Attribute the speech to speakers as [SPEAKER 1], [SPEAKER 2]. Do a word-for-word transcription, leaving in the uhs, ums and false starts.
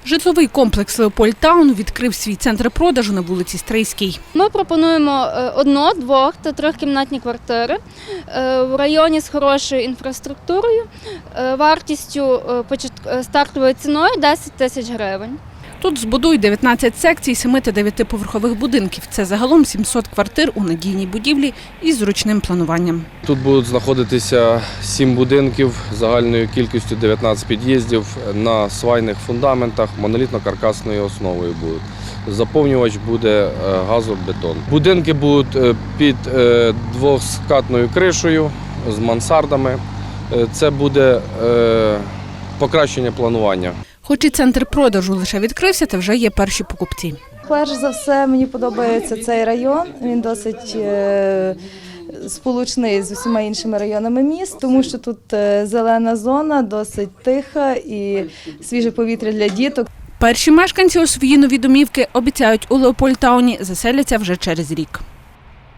[SPEAKER 1] Житловий комплекс «Леопольд-Таун» відкрив свій центр продажу на вулиці Стрийській.
[SPEAKER 2] Ми пропонуємо одно-, двох- та трьохкімнатні квартири в районі з хорошою інфраструктурою, вартістю стартовою ціною десять тисяч гривень.
[SPEAKER 1] Тут збудують дев'ятнадцять секцій семи- та дев'ятиповерхових будинків. Це загалом сімсот квартир у надійній будівлі із зручним плануванням.
[SPEAKER 3] Тут будуть знаходитися сім будинків загальною кількістю дев'ятнадцять під'їздів на свайних фундаментах, монолітно-каркасною основою будуть. Заповнювач буде газобетон. Будинки будуть під двоскатною кришею з мансардами. Це буде покращення планування.
[SPEAKER 1] Хоч і центр продажу лише відкрився, та вже є перші покупці.
[SPEAKER 4] Перш за все, мені подобається цей район. Він досить е, сполучний з усіма іншими районами міст, тому що тут е, зелена зона, досить тиха і свіже повітря для діток.
[SPEAKER 1] Перші мешканці у свої нові домівки, обіцяють, у Леопольд-Тауні заселяться вже через рік.